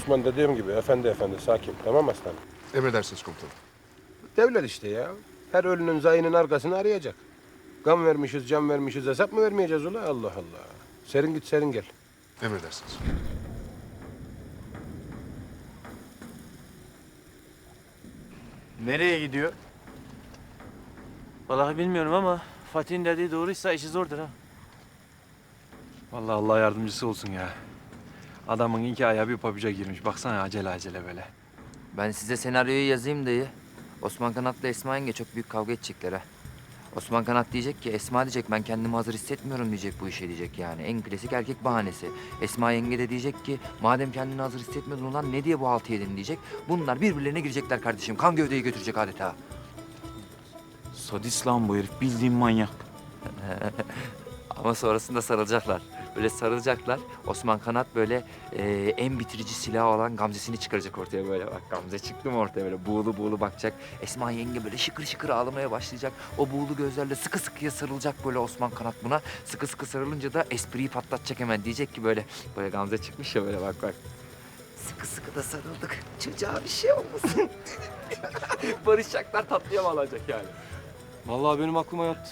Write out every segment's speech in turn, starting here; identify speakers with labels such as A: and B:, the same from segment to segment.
A: Osman dediğim gibi efendi sakin. Tamam aslanım.
B: Emredersiniz komutanım.
A: Devlet işte ya. Her ölünün zayının arkasını arayacak. Gam vermişiz, can vermişiz, hesap mı vermeyeceğiz ula? Allah Allah. Serin git, serin gel.
B: Emredersiniz.
C: Nereye gidiyor?
D: Vallahi bilmiyorum ama Fatih'in dediği doğruysa işi zordur ha. Vallahi Allah yardımcısı olsun ya. Adamın iki ayağı bir pabuca girmiş. Baksana acele acele böyle.
E: Ben size senaryoyu yazayım dayı. Osman Kanat'la Esma yenge çok büyük kavga edecekler ha. Osman Kanat diyecek ki Esma diyecek ben kendimi hazır hissetmiyorum diyecek bu işe diyecek yani. En klasik erkek bahanesi. Esma yenge de diyecek ki madem kendini hazır hissetmiyordun ulan ne diye bu haltı yedin diyecek. Bunlar birbirlerine girecekler kardeşim. Kan gövdeyi götürecek adeta.
C: Sadist lan bu herif. Bildiğin manyak.
E: Ama sonrasında sarılacaklar. Böyle sarılacaklar. Osman Kanat böyle en bitirici silah olan Gamze'sini çıkaracak ortaya böyle. Bak Gamze çıktı mı ortaya böyle buğulu buğulu bakacak. Esma yenge böyle şıkır şıkır ağlamaya başlayacak. O buğulu gözlerle sıkı sıkıya sarılacak böyle Osman Kanat buna. Sıkı sıkı sarılınca da espriyi patlatacak hemen. Diyecek ki böyle Gamze çıkmış ya böyle bak. Sıkı sıkı da sarıldık. Çocuğa bir şey olmasın. Barışacaklar tatlıya bağlanacak yani.
D: Vallahi benim aklıma yattı.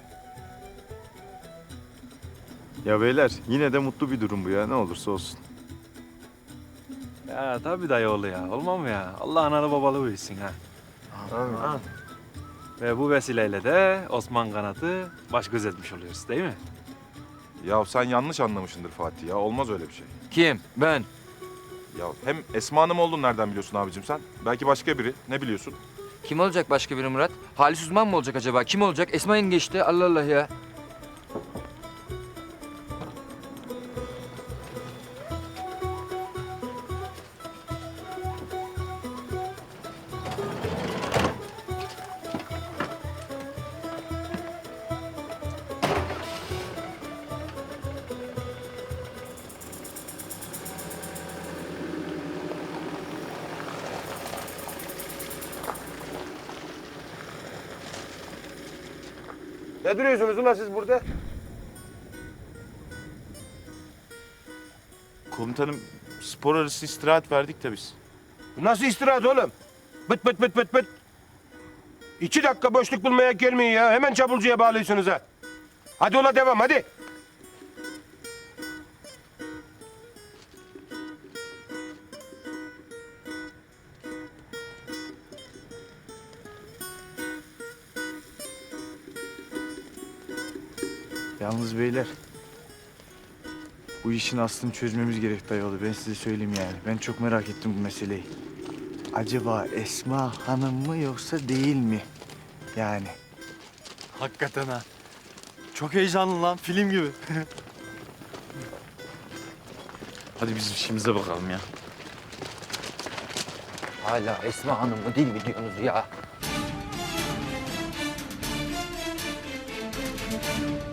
C: Ya beyler yine de mutlu bir durum bu ya. Ne olursa olsun.
D: Ya tabii dayı oğlu ya. Olmam mı ya? Allah analı babalı büyüsün ha.
A: Amin.
D: Ve bu vesileyle de Osman Kanat'ı baş göz etmiş oluyoruz değil mi?
F: Ya sen yanlış anlamışsındır Fatih ya. Olmaz öyle bir şey.
E: Kim? Ben.
F: Ya hem Esma Hanım olduğunu nereden biliyorsun abicim sen? Belki başka biri. Ne biliyorsun?
E: Kim olacak başka biri Murat? Halis Uzman mı olacak acaba? Kim olacak? Esma yenge işte. Allah Allah ya.
A: Ne duruyorsunuz ula siz burada?
C: Komutanım spor arası istirahat verdik de biz.
A: Nasıl istirahat oğlum? Bıt bıt bıt bıt bıt. 2 dakika boşluk bulmaya gelmeyin ya. Hemen çapulcuya bağlıyorsunuz ha. Hadi ula devam hadi.
C: Yalnız beyler. Bu işin aslını çözmemiz gerek dayıoğlu. Ben size söyleyeyim yani. Ben çok merak ettim bu meseleyi. Acaba Esma Hanım mı yoksa değil mi? Yani.
D: Hakikaten ha. Çok heyecanlı lan. Film gibi.
C: Hadi biz işimize bakalım ya.
E: Hala Esma Hanım mı değil mi diyorsunuz ya?